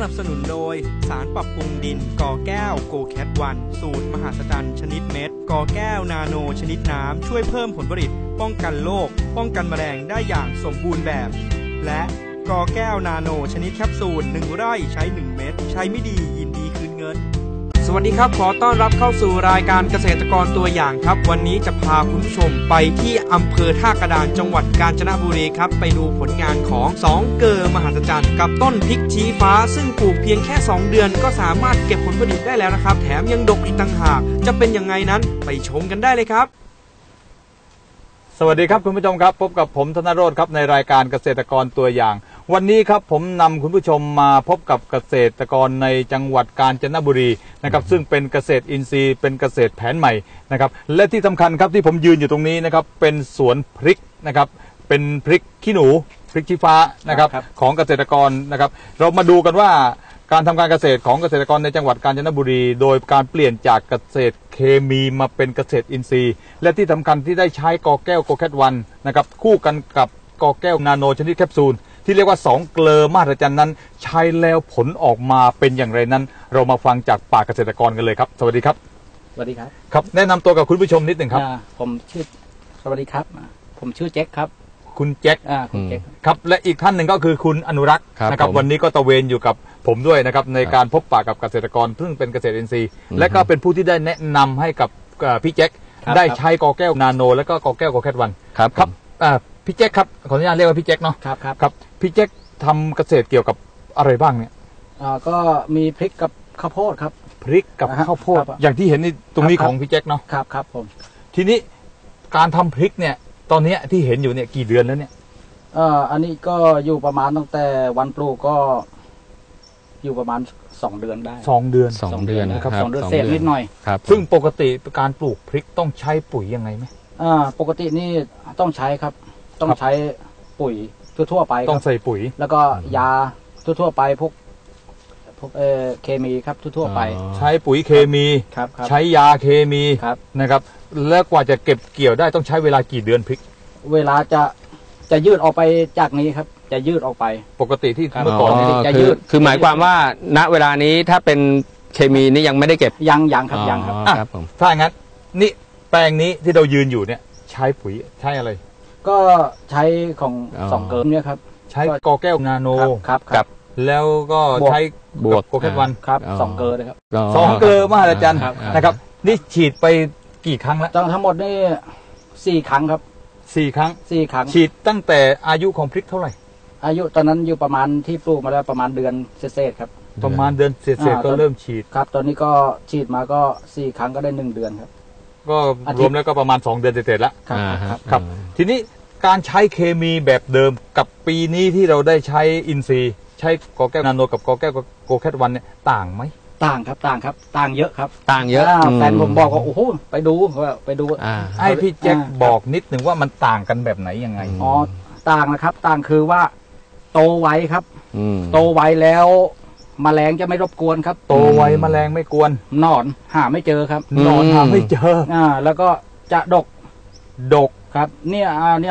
บสนุนโดยสารปรับปรุงดินกอแก้วโกแคทวันสูตรมหัศจรรย์ชนิดเม็ดกอแก้วนาโนชนิดน้ำช่วยเพิ่มผลผลิตป้องกันโรคป้องกันแมลงได้อย่างสมบูรณ์แบบและกอแก้วนาโนชนิดแคปซูล1 ไร่ใช้1 เม็ดใช้ไม่ดียินดีคืนเงินสวัสดีครับขอต้อนรับเข้าสู่รายการเกษตรกรตัวอย่างครับวันนี้จะพาคุณผู้ชมไปที่อำเภอท่ากระดานจังหวัดกาญจนบุรีครับไปดูผลงานของ2เกอมหัศจรรย์กับต้นพริกชี้ฟ้าซึ่งปลูกเพียงแค่2 เดือนก็สามารถเก็บผลผลิตได้แล้วนะครับแถมยังดกอีกต่างหากจะเป็นยังไงนั้นไปชมกันได้เลยครับสวัสดีครับคุณผู้ชมครับพบกับผมธนโรจน์ครับในรายการเกษตรกรตัวอย่างวันนี้ครับผมนำคุณผู้ชมมาพบกับเกษตรกรในจังหวัดกาญจนบุรีนะครับซึ่งเป็นเกษตรอินทรีย์เป็นเกษตรแผนใหม่นะครับและที่สำคัญครับที่ผมยืนอยู่ตรงนี้นะครับเป็นสวนพริกนะครับเป็นพริกขี้หนูพริกชี้ฟ้านะครับของเกษตรกรนะครับเรามาดูกันว่าการทำการเกษตรของเกษตรกรในจังหวัดกาญจนบุรีโดยการเปลี่ยนจากเกษตรเคมีมาเป็นเกษตรอินทรีย์และที่สำคัญที่ได้ใช้กอแก้วโกแคทวันนะครับคู่กันกับกอแก้วนาโนชนิดแคปซูลที่เรียกว่า2เกลอมหัศจรรย์นั้นใช้แล้วผลออกมาเป็นอย่างไรนั้นเรามาฟังจากปากเกษตรกรกันเลยครับสวัสดีครับสวัสดีครับครับแนะนำตัวกับคุณผู้ชมนิดหนึ่งครับผมชื่อสวัสดีครับผมชื่อแจ็คครับคุณแจ็คคุณแจ็คครับและอีกท่านหนึ่งก็คือคุณอนุรักษ์นะครับวันนี้ก็ตะเวนอยู่กับผมด้วยนะครับในการพบปะกับเกษตรกรซึ่งเป็นเกษตรอินทรีย์และก็เป็นผู้ที่ได้แนะนำให้กับพี่แจ็คได้ใช้กอแก้วนาโนและก็กอแก้วโกแคทวันครับพี่แจ็คครับขออนุญาตเรียกว่าพี่แจ็คเนาะครับพี่แจ็คทำเกษตรเกี่ยวกับอะไรบ้างเนี่ยก็มีพริกกับข้าวโพดครับพริกกับข้าวโพดอย่างที่เห็นในตรงนี้ของพี่แจ็คเนาะครับผมทีนี้การทำพริกเนี่ยตอนนี้ที่เห็นอยู่เนี่ยกี่เดือนแล้วเนี่ยอันนี้ก็อยู่ประมาณตั้งแต่วันปลูกก็อยู่ประมาณ2 เดือนได้ 2 เดือนนะครับ2 เดือนเศษนิดหน่อยครับซึ่งปกติการปลูกพริกต้องใช้ปุ๋ยยังไงไหมปกตินี่ต้องใช้ครับต้องใช้ปุ๋ยทั่วไปต้องใส่ปุ๋ยแล้วก็ยาทั่วไปพวกเคมีครับทั่วไปใช้ปุ๋ยเคมีใช้ยาเคมีนะครับแล้วกว่าจะเก็บเกี่ยวได้ต้องใช้เวลากี่เดือนพริกเวลาจะยืดออกไปจากนี้ครับจะยืดออกไปปกติที่เมื่อก่อนจะยืดคือหมายความว่าณเวลานี้ถ้าเป็นเคมีนี่ยังไม่ได้เก็บยังครับครับผมถ้าอย่างนั้นนี่แปลงนี้ที่เรายืนอยู่เนี่ยใช้ปุ๋ยใช้อะไรก็ใช้ของ2 เกลอเนี่ยครับใช้กอแก้วนาโนครับแล้วก็ใช้บวกโกแคทวันครับ2 เกลอเลยครับ 2 เกลอมหัศจรรย์นะครับนี่ฉีดไปกี่ครั้งแล้วทั้งหมดนี่4 ครั้งครับ 4 ครั้งฉีดตั้งแต่อายุของพริกเท่าไหร่อายุตอนนั้นอยู่ประมาณที่ปลูกมาแล้วประมาณเดือนเศษครับประมาณเดือนเศษก็เริ่มฉีดครับตอนนี้ก็ฉีดมาก็4 ครั้งก็ได้1 เดือนครับก็รวมแล้วก็ประมาณ2 เดือนเศษแล้วครับทีนี้การใช้เคมีแบบเดิมกับปีนี้ที่เราได้ใช้อินทรีย์ใช้กอแก้วนาโนกับกอแก้วโกแคทวันเนี่ยต่างไหมต่างครับต่างเยอะครับต่างเยอะแฟนผมบอกว่าโอ้โหไปดูให้พี่แจ็คบอกนิดหนึ่งว่ามันต่างกันแบบไหนยังไงต่างนะครับต่างคือว่าโตไวครับโตไวแล้วแมลงจะไม่รบกวนครับโตไวแมลงไม่กวนหนอนหาไม่เจอครับหนอนหาไม่เจอแล้วก็จะดกครับเนี่ย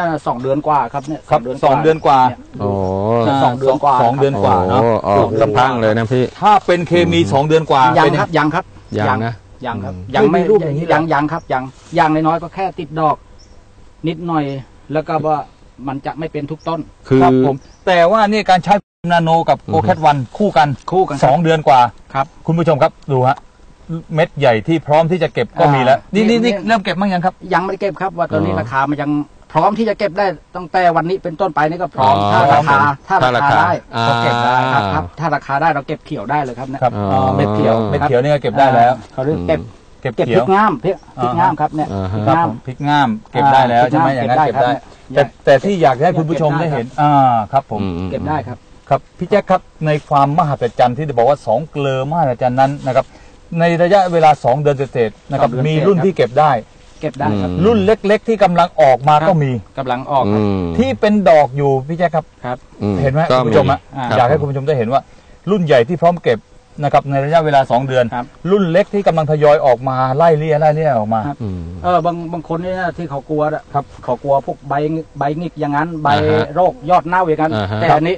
2 เดือนกว่าครับเนี่ย 2 เดือนกว่าโอ้ 2 เดือนกว่า 2 เดือนกว่าเนาะลำพังเลยนะพี่ถ้าเป็นเคมี2 เดือนกว่ายังครับยังครับยังไม่รูปอย่างนี้ยังครับยังน้อยๆก็แค่ติดดอกนิดหน่อยแล้วก็ว่ามันจะไม่เป็นทุกต้นครับผมแต่ว่านี่การใช้นาโนกับโกแคทวันคู่กัน2 เดือนกว่าครับคุณผู้ชมครับดูฮะเม็ดใหญ่ที่พร้อมที่จะเก็บก็มีแล้วนี่เริ่มเก็บมั้งยังครับยังไม่ได้เก็บครับว่าตอนนี้ราคามันยังพร้อมที่จะเก็บได้ตั้งแต่วันนี้เป็นต้นไปนี่ก็พร้อมถ้าราคาได้ก็เก็บได้ครับถ้าราคาได้เราเก็บเขียวได้เลยครับเนี่ยเม็ดเขียวนี่ก็เก็บได้แล้วเขาเรียกเก็บพริกงามพริกงามครับเนี่ยพริกงามเก็บได้แล้วใช่ไหมอย่างนั้นเก็บได้แต่ที่อยากให้คุณผู้ชมได้เห็นครับผมเก็บได้ครับครับพี่แจ๊คครับในความมหัศจรรย์ที่จะบอกว่า2 เกลอมหัศจรรย์นั้นนะครับในระยะเวลา2 เดือนเศษนะครับมีรุ่นที่เก็บได้ครับรุ่นเล็กๆที่กำลังออกมาก็มีกำลังออกที่เป็นดอกอยู่พี่แจ๊คครับเห็นไหมคุณผู้ชมอยากให้คุณผู้ชมได้เห็นว่ารุ่นใหญ่ที่พร้อมเก็บนะครับในระยะเวลา2 เดือนรุ่นเล็กที่กำลังทยอยออกมาไล่เลี่ยออกมาบางคนเนี่ยที่เขากลัวเขากลัวพวกใบหงิกอย่างนั้นใบโรคยอดเน่าอย่างนั้นแต่อันนี้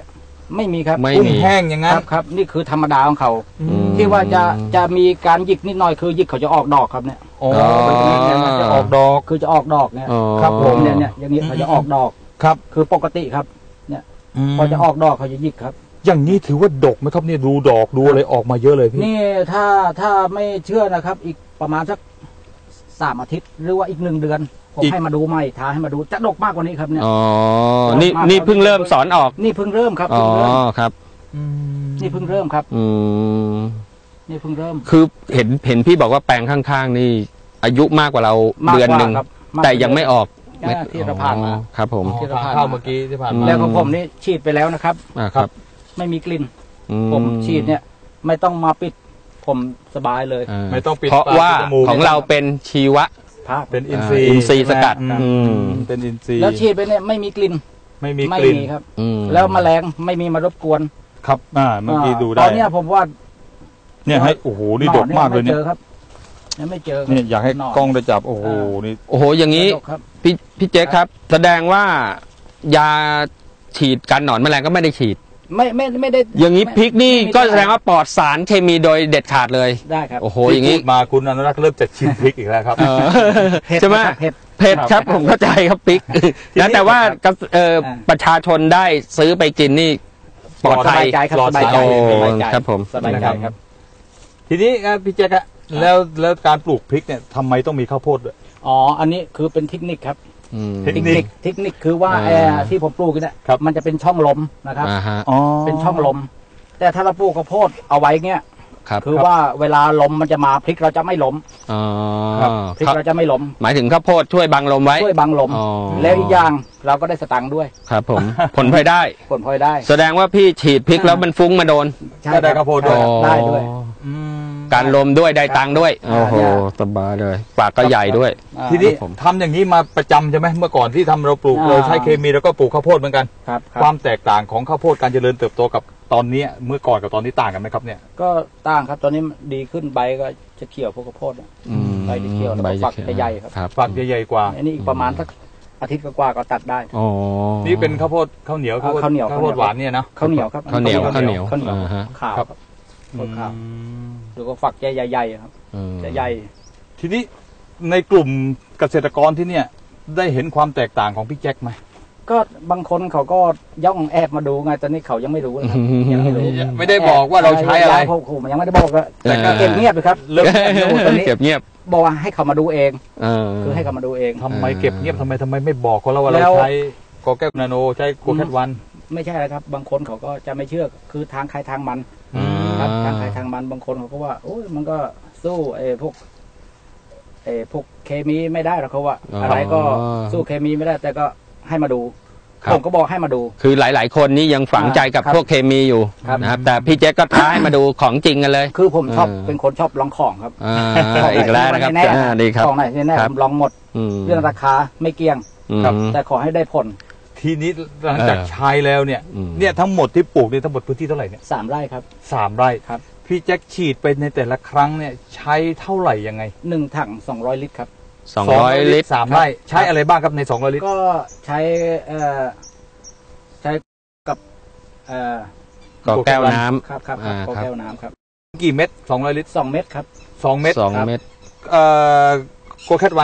ไม่มีครับไม่กุ้งมีแห้งอย่างนั้นครับนี่คือธรรมดาของเขาอืมที่ว่าจะมีการหยิกนิดหน่อยคือหยิกเขาจะออกดอกครับเนี่ยอ๋ออ๋อมันจะออกดอกคือจะออกดอกเนี่ยอ๋อครับผมเนี่ยอย่างนี้เขาจะออกดอกครับคือปกติครับพอจะออกดอกเขาจะหยิกครับอย่างนี้ถือว่าดกไหมครับเนี่ยดูดอกดูอะไรออกมาเยอะเลยพี่นี่ถ้าไม่เชื่อนะครับ อีกประมาณสัก3 อาทิตย์ หรือว่าอีก1 เดือนผมให้มาดูใหม่ท้าให้มาดูจะดกมากกว่านี้ครับเนี่ยอ๋อนี่เพิ่งเริ่มสอนออกนี่เพิ่งเริ่มครับอ๋อเพิ่งเริ่มครับนี่เพิ่งเริ่มครับอืมนี่เพิ่งเริ่มคือเห็นพี่บอกว่าแปลงข้างๆ นี่ อายุมากกว่าเรามากกว่าเดือนหนึ่งครับมากแต่ยังไม่ออกที่เราผ่านมาอ๋อครับผมที่เราผ่านมาข้าวเมื่อกี้ที่ผ่านมาแล้วของผมนี่ฉีดไปแล้วนะครับครับไม่มีกลิ่นอืผมฉีดเนี่ย ไม่ต้องมาปิดผมสบายเลยอ่าไม่ต้องปิดเพราะปกว่าปิดจมูกของเราเป็นชีวะพระเป็นอินทรีย์อินทรีย์สกัดใช่ไหมอืมเป็นอินทรีย์แล้วฉีดไปเนี่ยไม่มีกลิ่นไม่มีไม่กลิ่นมีครับอืมแล้วแมลงไม่มีมารบกวนครับเมื่อกี้ดูได้ตอนเนี้ยผมว่าเนี่ยให้โอ้โหนี่ดกมากเลยเนี่ยไม่เจอครับยังไม่เจอครับเนี่ยอยากให้หนนกล้องได้จับโอ้โหนี่โอ้โหอย่างนี้ดกครับพี่เจ๊ครับ แสดงว่ายาฉีดกันหนอนแมลงก็ไม่ได้ฉีดไม่ได้อย่างนี้พริกนี่ไม่ได้ก็แสดงว่าปลอดสารเคมีโดยเด็ดขาดเลยได้ครับโอ้โหที่อย่างพูนี้ดมาคุณอนุรักษ์เริ่มจะชิมพริกอีกแล้วครับเออเผ็ดใช่ไหมนะครับเผ็ดเผ็ดครับผมเข้าใจครับพริกนะแต่ว่าประชาชนได้ซื้อไปกินนี่ปลอดสภับาย ยใจครับปลอดสบายใจโอ้สบายใจครับผมสบายใจครับทีนี้พี่แจ๊คอะแล้วการปลูกพริกเนี่ยทำไมต้องมีข้าวโพดด้วยอ๋ออันนี้คือเป็นเทคนิคครับอืมเทคนิคเทคนิคคือว่าอ่าที่ผมปลูกเนี่ยครับมันจะเป็นช่องลมนะครับอ่าฮะอ๋อเป็นช่องลม แต่ถ้าเราปลูกข้าวโพดเอาไว้เงี้ยครับคือว่าเวลาลมมันจะมาพริกเราจะไม่ล้มอ๋อพริกเราจะไม่ล้มหมายถึงข้าวโพดช่วยบังลมไว้ช่วยบังลมอ๋อแล้วอีกอย่างเราก็ได้สตังค์ด้วยครับผม ผลพลอยได้ผลพลอยได้แสดงว่าพี่ฉีดพริกแล้วมันฟุ้งมาโดนใช่ก็ได้ข้าวโพดด้วยได้ด้วยอืมการลมด้วยได้ตังค์ด้วยอ่าโอ้โหเนี่ยสบายเลยปากก็ใหญ่ด้วยอ่าทีนี้ผมทำอย่างนี้มาประจำใช่ไหมเมื่อก่อนที่ทำเราปลูกอ่าเราใช้เคมีแล้วก็ปลูกข้าวโพดเหมือนกันครับคครับ วามแตกต่างของข้าวโพดการเจริญเติบโตกับตอนนี้เมื่อก่อนกับตอนนี้ต่างกันไหมครับเนี่ยก็ต่างครับตอนนี้ดีขึ้นใบก็จะเขียวพวกข้าวโพดอะอืมใบจะเขียวแล้วก็ใบฝักจะใหญ่ครับครับฝักใหญ่ๆกว่าอันนี้อีกประมาณสักอาทิตย์กว่าๆก็ตัดได้อ๋อนี่เป็นข้าวโพดข้าวเหนียวข้าวเหนียวข้าวโพดหวานเนี่ยนะข้าวเหนียวครับข้าวเหนียวข้าวเหนียวอ่าฮะขาวครับข้าวขาวอืมดูก็ฝักใหญ่ๆครับอืมจะใหญ่ทีนี้ในกลุ่มเกษตรกรที่เนี่ยได้เห็นความแตกต่างของพี่แจ็คไหมก็บางคนเขาก็ย่องแอบมาดูไงตอนนี้เขายังไม่รู้นะครับยังไม่รู้ไม่ได้บอกว่าเราใช้อะไรผมยังไม่ได้บอกเลยแต่ก็เก็บเงียบเลยครับเริ่มเงียบอยู่ตอนนี้เก็บเงียบบอกว่าให้เขามาดูเองเออคือให้เขามาดูเองทำไมเก็บเงียบทำไมไม่บอกเขาแล้วว่าแล้เราวใช้กอแก้วนาโนใช้โกแคทวันไม่ใช่นะครับ บางคนเขาก็จะไม่เชื่อคือทางใครทางมันอืมครับทางใครทางมันบางคนเขาก็ว่าโอ้ยมันก็สู้พวกเคมีไม่ได้หรอกเขาว่า อะไรก็สู้เคมีไม่ได้ แต่ก็ให้มาดู ผมก็บอกให้มาดูคือหลาย ๆ คนนี่ยังฝังใจกับครับพวกเคมีอยู่ครับนะครับ แต่พี่แจ๊คก็ท้าให้มาดูของจริงกันเลยคือผมชอบเออเป็นคนชอบลองของครับอ่าอีกแล้วนะครับแน่ดีครับของไหนแน่ครับผมลองหมดมเรื่องราคาไม่เกี่ยงครับแต่ขอให้ได้ผลทีนี้หลังจากใช้แล้วเนี่ยอืมเนี่ยทั้งหมดที่ปลูกเนี่ยทั้งหมดพื้นที่เท่าไหร่เนี่ย 3 ไร่ครับ 3 ไร่ครับพี่แจ็คฉีดไปในแต่ละครั้งเนี่ยใช้เท่าไหร่ยังไง 1 ถัง200 ลิตรครับ 200 ลิตร 3 ไร่ใช้อะไรบ้างครับใน200 ลิตรก็ใช้ใช้กับก็แก้วน้ำครับอ่าก็ครับแก้วน้ำครับกี่เม็ด200 ลิตร 2 เม็ดครับ 2 เม็ด 2 เม็ดโกแคทวัน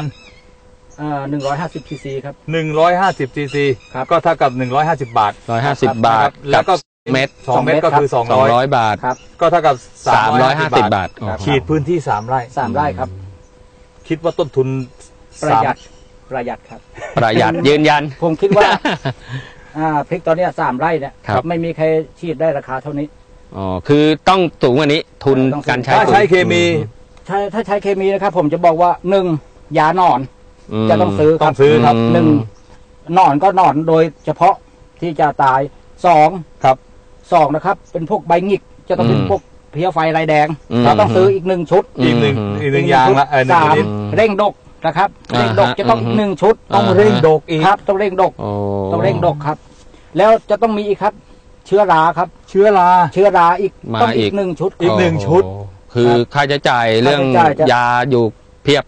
150 cc ครับ 150 cc ครับก็เท่ากับ150 บาท 150 บาทแล้วก็เม็ด 2 เม็ดก็คือ 200 บาทครับ 200 ก็เท่ากับ 350 บาทครับฉีดพื้นที่ 3 ไร่ 3 ไร่ครับคิดว่าต้นทุนประหยัดครับประหยัดยืนยันผมคิดว่า พริกตอนเนี้ย3 ไร่เนี่ยครับไม่มีใครฉีดได้ราคาเท่านี้อ๋อ คือต้องสูงกว่านี้ ทุนต้องสูงการใช้ถ้าปุ๋ยใช้เคมีถ้าใช้เคมีนะครับ ผมจะบอกว่า1ยาหนอนมจะต้องซื้อคต้รัอบ งซื้อครับอืมหนึ่งหนอนก็หนอนโดยเฉพาะที่จะตาย2 ครับ 2นะครับ เป็นพวกใบหงิกจะต้องเป็นพวกเพลี้ยไฟลายแดงอืมเราต้องซื้ออีก1 ชุดอีกหนึ่งอย่างละหนึ่งสามลิตรเร่งดกนะครับอ่าฮะเร่งดกจะต้องอีก1 ชุดต้องเร่งดกอีกครับต้องเร่งดกโอ้ต้องเร่งดกครับ แล้วจะต้องมีอีกครับ เชื้อราครับเชื้อราเชื้อราอีกมาต้องอีอีกก1 ชุดอีกหนึ่งชุดโอ้คือค่าใช้จ่ายเรื่องค่าใช้จ่ายจะยาอยู่เพียบ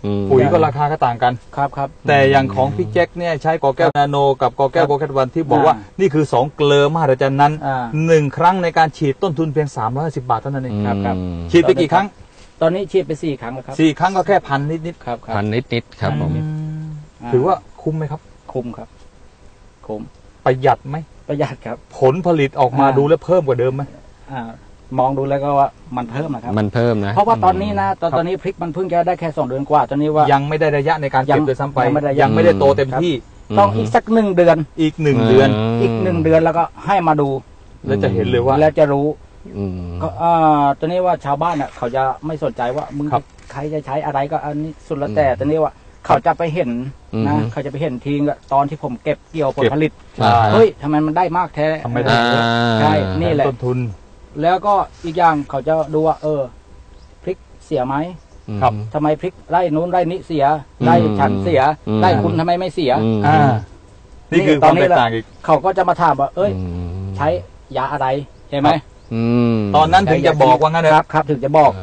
ปุ๋ยก็ราคาก็ต่างกันครับแต่อย่างของพี่แจ็คเนี่ยใช้กอแก้วนาโนกับกอแก้วโกแคทวันที่บอกว่านี่คือ2เกลือมหัศจรรย์นั้น1ครั้งในการฉีดต้นทุนเพียง310 บาทเท่านั้นเองครับฉีดไปกี่ครั้งตอนนี้ฉีดไป4 ครั้งแล้วครับ 4 ครั้งก็แค่1,000 นิดครับ 1,000 นิดครับผมถือว่าคุ้มไหมครับคุ้มครับคุ้มประหยัดไหมประหยัดครับผลผลิตออกมาดูแล้วเพิ่มกว่าเดิมไหมมองดูแล้วก็ว่ามันเพิ่มนะครับมันเพิ่มนะเพราะว่าตอนนี้นะตอนนี้พริกมันเพิ่งจะได้แค่2 เดือนกว่าตอนนี้ว่ายังไม่ได้ระยะในการเก็บโดยซ้ำไปยังไม่ได้โตเต็มที่ต้องอีกสัก1 เดือนอีก1 เดือนอีก1 เดือนแล้วก็ให้มาดูแล้วจะเห็นเลยว่าแล้วจะรู้ก็ตอนนี้ว่าชาวบ้านอ่ะเขาจะไม่สนใจว่ามึงใครจะใช้อะไรก็อันนี้สุดแล้วแต่ตอนนี้ว่าเขาจะไปเห็นนะเขาจะไปเห็นทีตอนที่ผมเก็บเกี่ยวผลผลิตเฮ้ยทำไมมันได้มากแท้ทำไมได้ใช่นี่แหละต้นทุนแล้วก็อีกอย่างเขาจะดูว่าพริกเสียไหมครับทำไมพริกไร่นู้นไร่นี้เสียไร่ฉันเสียไร่คุณทำไมไม่เสียนี่คือความแตกต่างอีกเขาก็จะมาถามว่าใช้ยาอะไรเห็นไหมตอนนั้นถึงจะบอกว่างั้นครับถึงจะบอก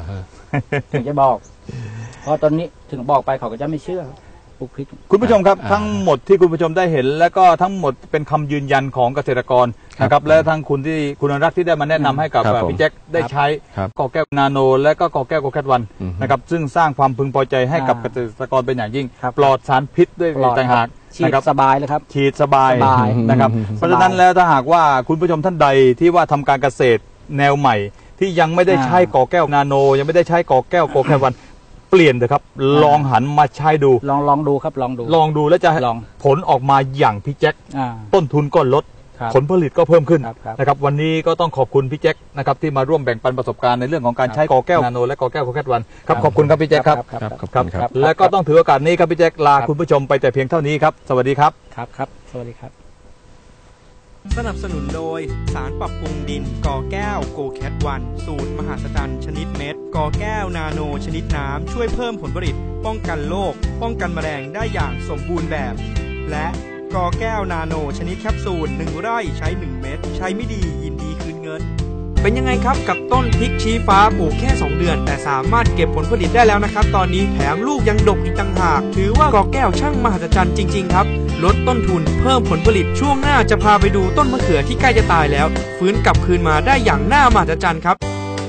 เพราะตอนนี้ถึงบอกไปเขาก็จะไม่เชื่อปลูกพริกคุณผู้ชมครับทั้งหมดที่คุณผู้ชมได้เห็นแล้วก็ทั้งหมดเป็นคำยืนยันของเกษตรกรนะครับและทั้งคุณอนุรักษ์ที่ได้มาแนะนำให้กับพี่แจ็คได้ใช้กอแก้วนาโนและก็กอแก้วโกแคทวันนะครับซึ่งสร้างความพึงพอใจให้กับเกษตรกรเป็นอย่างยิ่งปลอดสารพิษด้วยต่างหากฉีดสบายเลยครับฉีดสบายนะครับเพราะฉะนั้นแล้วถ้าหากว่าคุณผู้ชมท่านใดที่ว่าทำการเกษตรแนวใหม่ที่ยังไม่ได้ใช้กอแก้วนาโนยังไม่ได้ใช้กอแก้วโกแคทวันเปลี่ยนเถอะครับลองหันมาใช้ดูลองดูครับลองดูแล้วจะผลออกมาอย่างพี่แจ็คต้นทุนก็ลดผลผลิตก็เพิ่มขึ้นนะครับวันนี้ก็ต้องขอบคุณพี่แจ็คนะครับที่มาร่วมแบ่งปันประสบการณ์ในเรื่องของการใช้กอแก้วนาโนและกอแก้วโกแคทวันครับขอบคุณครับพี่แจ็คครับและก็ต้องถือโอกาสนี้ครับพี่แจ็คลาคุณผู้ชมไปแต่เพียงเท่านี้ครับสวัสดีครับครับสวัสดีครับสนับสนุนโดยสารปรับปรุงดินกอแก้วโกแคทวันสูตรมหาศจรรย์ชนิดเม็ดกอแก้วนาโนชนิดน้ำช่วยเพิ่มผลผลิตป้องกันโรคป้องกันแมลงได้อย่างสมบูรณ์แบบและกอแก้วนาโนชนิดแคปซูล1 ไร่ใช้1 เม็ดใช้ไม่ดียินดีคืนเงินเป็นยังไงครับกับต้นพริกชี้ฟ้าปลูกแค่2 เดือนแต่สามารถเก็บผลผลิตได้แล้วนะครับตอนนี้แถมลูกยังดกอีกต่างหากถือว่ากอแก้วช่างมหัศจรรย์จริงๆครับลดต้นทุนเพิ่มผลผลิตช่วงหน้าจะพาไปดูต้นมะเขือที่ใกล้จะตายแล้วฟื้นกลับคืนมาได้อย่างน่ามหัศจรรย์ครับ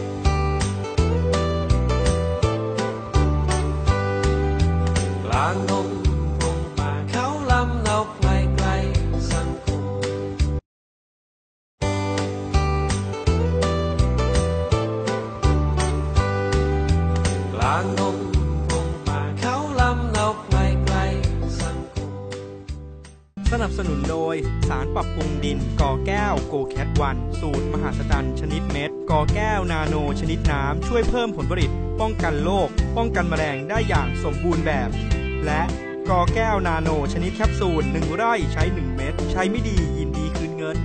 กลางดงพงป่าเขาลำเนาไกลไกลสังคมกลางดงพงป่าเขาลำเนาไกลไกลสังคมสนับสนุนโดยสารปรับปรุงดินกอแก้วโกแคทวันสูตรมหาศจรรย์ชนิดเม็ดกอแก้วนาโนชนิดน้ำช่วยเพิ่มผลผลิตป้องกันโรคป้องกันแมลงได้อย่างสมบูรณ์แบบและกอแก้วนาโนชนิดแคปซูล1 ไร่ใช้1 เม็ดใช้ไม่ดียินดีคืนเงิน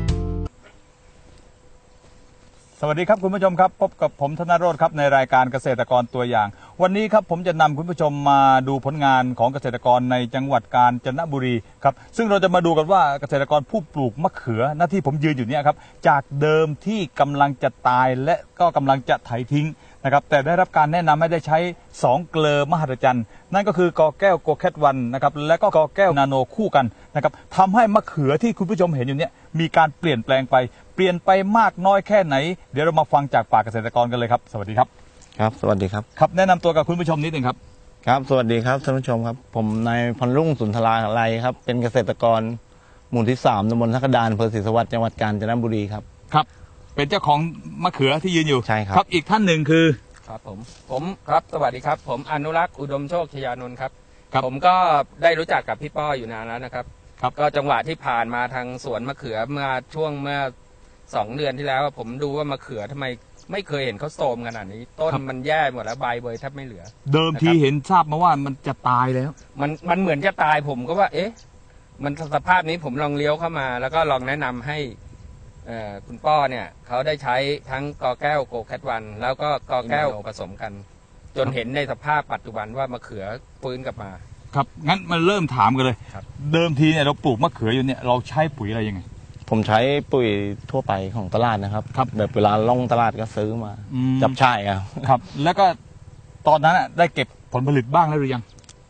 สวัสดีครับคุณผู้ชมครับพบกับผมธนโรจน์ครับในรายการเกษตรกรตัวอย่างวันนี้ครับผมจะนำคุณผู้ชมมาดูผลงานของเกษตรกรในจังหวัดกาญจนบุรีครับซึ่งเราจะมาดูกันว่าเกษตรกรผู้ปลูกมะเขือหน้าที่ผมยืนอยู่เนี่ยครับจากเดิมที่กำลังจะตายและก็กำลังจะไถทิ้งนะครับแต่ได้รับการแนะนำให้ได้ใช้2 เกลือมหัศจรรย์นั่นก็คือกอแก้วโกแคทวันนะครับและก็กอแก้วนาโนคู่กันนะครับทำให้มะเขือที่คุณผู้ชมเห็นอยู่เนี่ยมีการเปลี่ยนแปลงไปมากน้อยแค่ไหนเดี๋ยวเรามาฟังจากปากเกษตรกรกันเลยครับสวัสดีครับครับสวัสดีครับครับแนะนำตัวกับคุณผู้ชมนิดนึงครับครับสวัสดีครับท่านผู้ชมครับผมนายพรรุ่งสุนทราไลครับเป็นเกษตรกรหมู่ที่3ตำบลทักดานอำเภอศรีสวัสดิ์จังหวัดกาญจนบุรีครับครับเป็นเจ้าของมะเขือที่ยืนอยู่ใช่ครับอีกท่านหนึ่งคือครับผมครับสวัสดีครับผมอนุรักษ์อุดมโชคชยานนท์ครับผมก็ได้รู้จักกับพี่ป้ออยู่นานแล้วนะครับก็จังหวะที่ผ่านมาทางสวนมะเขือเมื่อ2 เดือนที่แล้วผมดูว่ามะเขือทำไมไม่เคยเห็นเขาโทรมขนาดนี้ต้นมันแย่หมดแล้วใบเบยแทบไม่เหลือเดิมทีเห็นทราบมาว่ามันจะตายแล้วมันเหมือนจะตายผมก็ว่ามันสภาพนี้ผมลองเลี้ยวเข้ามาแล้วก็ลองแนะนำให้คุณป้อเนี่ยเขาได้ใช้ทั้งกอแก้วโกแคทวันแล้วก็กอแก้วผสมกันจนเห็นในสภาพปัจจุบันว่ามะเขือฟื้นกลับมาครับงั้นมันเริ่มถามกันเลยเดิมทีเนี่ยเราปลูกมะเขืออยู่เนี่ยเราใช้ปุ๋ยอะไรยังไงผมใช้ปุ๋ยทั่วไปของตลาดนะครับแบบเวลาล่องตลาดก็ซื้อมาจับช่ายครับแล้วก็ตอนนั้นได้เก็บผลผลิตบ้างแล้วหรือยัง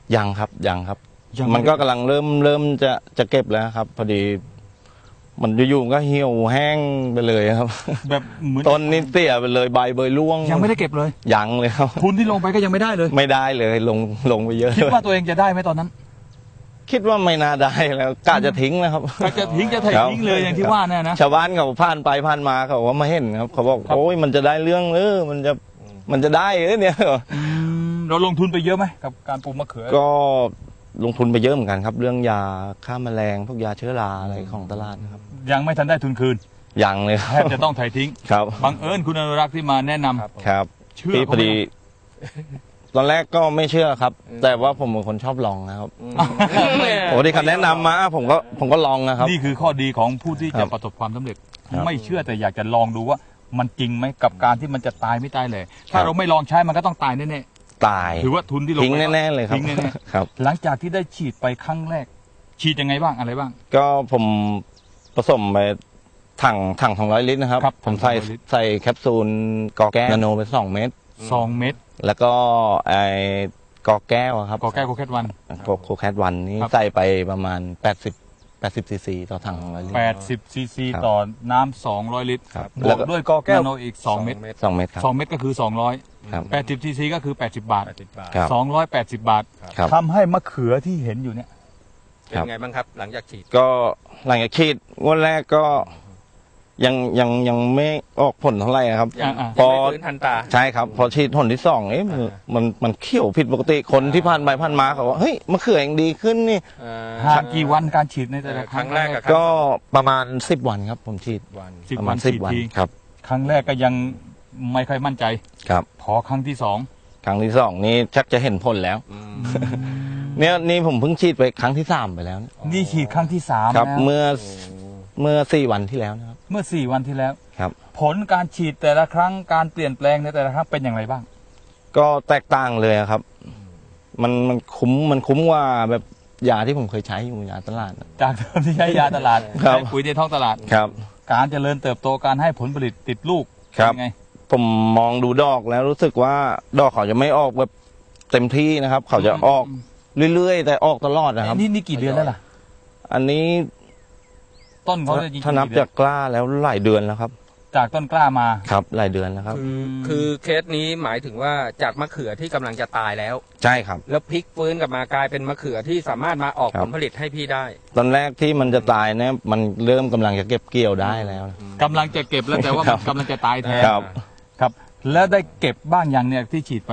ยังครับยังครับยังมันก็กำลังเริ่มจะเก็บแล้วครับ พอดีมันอยู่ๆก็เหี่ยวแห้งไปเลยครับแบบเหมือนต้นนี่เตี้ยไปเลยใบเบยร่วงยังไม่ได้เก็บเลยยังเลยครับทุนที่ลงไปก็ยังไม่ได้เลยไม่ได้เลยลงไปเยอะคิดว่าตัวเองจะได้ไหมตอนนั้นคิดว่าไม่น่าได้แล้วกะจะทิ้งนะครับก็จะทิ้งจะถ่ายทิ้งเลยอย่างที่ว่าเนี่ยนะชาวบ้านเขาผ่านไปผ่านมาเขาว่ามาเห็นครับเขาบอกครับโอ้ยมันจะได้เรื่องมันจะได้เนี่ยเราลงทุนไปเยอะไหมกับการปลูกมะเขือก็ลงทุนไปเยอะเหมือนกันครับ เรื่องยาฆ่าแมลงพวกยาเชื้อราอะไรของตลาดนะครับยังไม่ทันได้ทุนคืนยังเลยคแทรับบ จะต้องถ่ายทิ้งครับบังเอิญคุณอนุรักษ์ที่มาแนะนำครับเชื่อพี่พเขาอไหมดี ตอนแรกก็ไม่เชื่อครับ แต่ว่าผมเป็นคนชอบลองนะครับโอ้ที่เขาแนะนำมาผมก็ลองนะครับนี่คือข้อดีของผู้ที่ครัจะบประสบความสำเร็จครับไม่เชื่อแต่อยากจะลองดูว่ามันจริงไหมกับการที่มันจะตายไม่ตายเลย ถ้าเราไม่ลองใช้มันก็ต้องตายแน่ตายๆถือว่าทุนที่ลงทิ้งไปแน่ๆเลยครับทิ้งแน่ครับๆหลังจากที่ได้ฉีดไปครั้งแรก ฉีดยังไงบ้างอะไรบ้างก็ผมผสมไปถัง200 ลิตรนะครับครับผมใส่ 200ลิตรใส่แคปซูลกอแก้วนาโนไป2 เม็ด 2 เม็ดแล้วก็ไอ้กอแก้วอะครับกอแก้วโคแคทวันโคแคทวันนี่ครับใส่ไปประมาณ80ซีซีต่อถัง200 ลิตร 80 ซีซีครับต่อน้ำ200 ลิตรครับบวกด้วยกอแก้วนาโนอีก 2 เม็ด 2 เม็ดครับ 2 เม็ดก็คือ 200 ครับ 80 ซีซีก็คือ 80 บาทครับ 280 บาทครับทำให้มะเขือที่เห็นอยู่เนี่ยเป็นไงบ้างครับหลังจากฉีดก็หลังจากฉีดงวดแรกก็ยังไม่ออกผลเท่าไหร่ครับยังพอไม่ฟื้นทันตาใช่ครับพอฉีดหนที่2มันเขียวผิดปกติคนที่ผ่านไปผ่านมาเขาว่าเฮ้ยมะเขือยังดีขึ้นนี่ห่างกี่วันการฉีดในแต่ละครั้งครั้งแรกอะก็ประมาณ10 วันครับผมฉีดวัน 10 ประวัมาน ณฉีด 10 วันทีครับครั้งแรกก็ยังไม่ค่อยมั่นใจครับพอครั้งที่สองครั้งที่2นี่ชักจะเห็นผลแล้ว นี่ผมเพิ่งฉีดไปครั้งที่3ไปแล้วนะนี่ฉีดครั้งที่สามครับแล้วเมื่อ4 วันที่แล้วนะครับเมื่อ 4 วันที่แล้วครับผลการฉีดแต่ละครั้งการเปลี่ยนแปลงในแต่ละครั้งเป็นอย่างไรบ้างก็แตกต่างเลยครับ มันคุ้มกว่าแบบยาที่ผมเคยใช้อยู่ยาตลาดนะจากเดิมที่ใช้ยาตลาดครับใช้ปุ๋ยในท้องตลาดครับการเจริญเติบโตการให้ผลผลิตติดลูกครับเป็นไงผมมองดูดอกแล้วรู้สึกว่าดอกเขาจะไม่ออกแบบเต็มที่นะครับ เขาจะออกเรื่อยๆ แต่ออกตลอดนะครับนี่กี่เดือนแล้วล่ะอันนี้ต้นเขาจะจริงๆถ้านับกี่เดืจากกล้าแล้วหลายเดือนแล้วครับจากต้นกล้ามาครับหลายเดือนแล้วครับคือเคสนี้หมายถึงว่าจากมะเขือที่กำลังจะตายแล้วใช่ครับแล้วพลิกฟื้นกลับมากลายเป็นมะเขือที่สามารถมาออกครับผลผลิตให้พี่ได้ตอนแรกที่มันจะตายเนี่ยมันเริ่มกำลังจะเก็บเกี่ยวได้แล้วนะกำลังจะเก็บแล้วแต่ว่าครัมันบกำลังจะตายแทนครับครับ แล้วได้เก็บบ้างยังเนี่ยที่ฉีดไป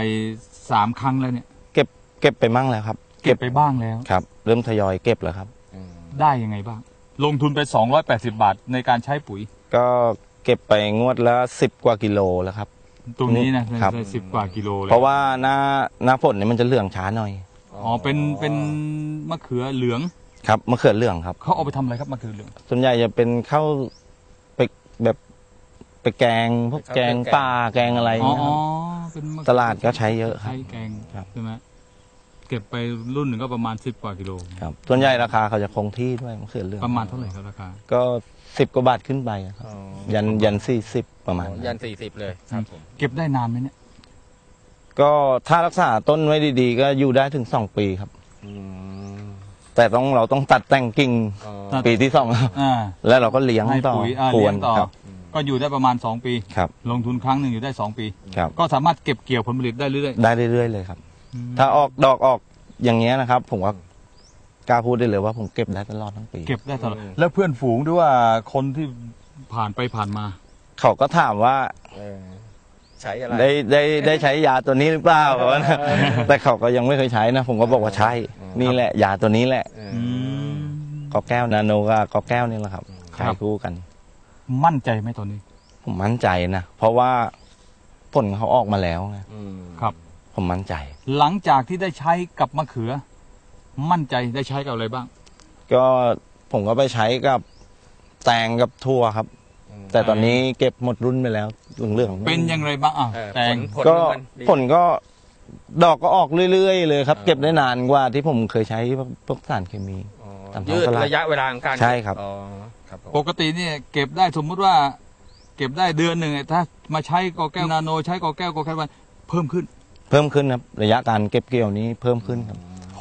3 ครั้งแล้วเนี่ยเก็บไปมั่งแล้วครับเก็บไปบ้างแล้วครับ เริ่มทยอยเก็บแล้วครับได้ยังไงบ้าง ลงทุนไป280 บาทในการใช้ปุ๋ยก็เก็บไปงวดละ10 กว่ากิโลแล้วครับตรงนี้นะครับ 10 กว่ากิโลเลยเพราะว่าหน้าฝนเนี่ยมันจะเหลืองช้าหน่อยอ๋อเป็นมะเขือเหลืองครับมะเขือเหลืองครับเขาเอาไปทำอะไรครับมะเขือเหลืองส่วนใหญ่จะเป็นข้าวไปแบบไปแกงพวกแกงป่าแกงอะไรอ๋อนะครับเป็นมะเขือตลาดก็ใช้เยอะครับใช้แกงครับใช่ไหมเก็บไปรุ่นหนึ่งก็ประมาณ10 กว่ากิโลครับส่วนใหญ่ราคาเขาจะคงที่ด้วยมะเขือเหลืองประมาณเท่าไหร่ครับราคาก็10 กว่าบาทขึ้นไปครับยัน40ประมาณนั้นยัน40เลยครับผมเก็บได้นานไหมเนี่ยก็ถ้ารักษาต้นไว้ดีๆ ก็อยู่ได้ถึง2 ปีครับ แต่เราต้องตัดแต่งกิ่งปีที่2ครับอ่าแล้วเราก็เลี้ยงให้ต่อปุ๋ยคเลี้วย รงต่อครับก็อยู่ได้ประมาณ2 ปีครับลงทุนครั้งหนึ่งอยู่ได้2 ปีครับก็สามารถเก็บเกี่ยวผลผลิตได้เรื่อยได้เรื่อยๆเลยครับๆถ้าออกดอกออกอย่างเงี้ยนะครับ ผมว่ากล้าพูดได้เลยว่าผมเก็บได้ตลอดทั้งปีเก็บได้ตลอดแล้วเพื่อนฝูงด้วยว่าคนที่ผ่านไปผ่านมาเขาก็ถามว่าใช้อะไรได้ใช้ยาตัวนี้หรือเปล่าแต่เขาก็ยังไม่เคยใช้นะ ผมก็บอกว่าใช่ นี่แหละยาตัวนี้แหละกอแก้วนาโนกับกอแก้วนี่แหละครับใช้คู่กันมั่นใจไหมตอนนี้ผมมั่นใจนะเพราะว่าผลเขาออกมาแล้วไงครับผมมั่นใจหลังจากที่ได้ใช้กับมะเขือ มั่นใจได้ใช้กับอะไรบ้างก็ผมก็ไปใช้กับแตงกับทั่วครับ แต่ตอนนี้เก็บหมดรุ่นไปแล้วเรื่องๆเป็นอย่างไรบ้างอ่ะแตงก็ผลก็ดอกก็ออกเรื่อยๆเลยครับ เก็บได้นานกว่าที่ผมเคยใช้พวกสารเคมีตามท้ยืองดตลาดระยะเวลาของการใช่ครับอ๋อครับผมปกติเนี่ยเก็บได้สมมุติว่า เก็บได้เดือนหนึ่งถ้ามาใช้กอแก้วนาโนใช้กอแก้วกอแก้ววันเพิ่มขึ้นเพิ่มขึ้นครับระยะการเก็บเกี่ยวนี้เพิ่มขึ้นครับผ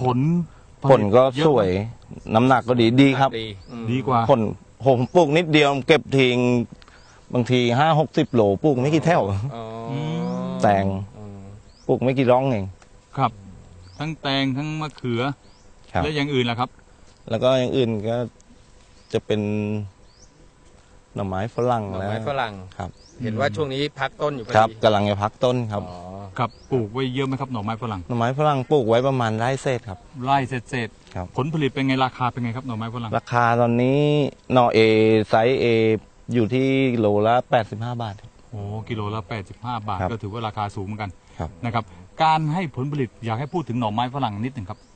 ผลก็สวยน้ำหนักก็ดีครับดีกว่าผลผมปลูกนิดเดียวเก็บทิ้งบางที50-60 โลปลูกไม่กี่แถวแตงปลูกไม่กี่ร่องเองครับ ทั้งแตงทั้งมะเขือครับและอย่างอื่นล่ะครับแล้วก็อย่างอื่นก็จะเป็นหน่อไม้ฝรั่งหน่อแล้วไม้ฝรั่งครับเห็นว่าช่วงนี้พักต้นอยู่พอครับดีกำลังจะพักต้นครับอ๋อครับปลูกไว้เยอะไหมครับหน่อไม้ฝรั่งหน่อไม้ฝรั่งปลูกไว้ประมาณไร่เศษครับไร่เศษครับผลผลิตเป็นไงราคาเป็นไงครับหน่อไม้ฝรั่งราคาตอนนี้หน่อเอไซส์เออยู่ที่โลละ85 บาทโอ้กิโลละ85 บาทครับก็ถือว่าราคาสูงเหมือนกันครับนะครับ การให้ผลผลิตอยากให้พูดถึงหน่อไม้ฝรั่งนิดหนึ่งครับ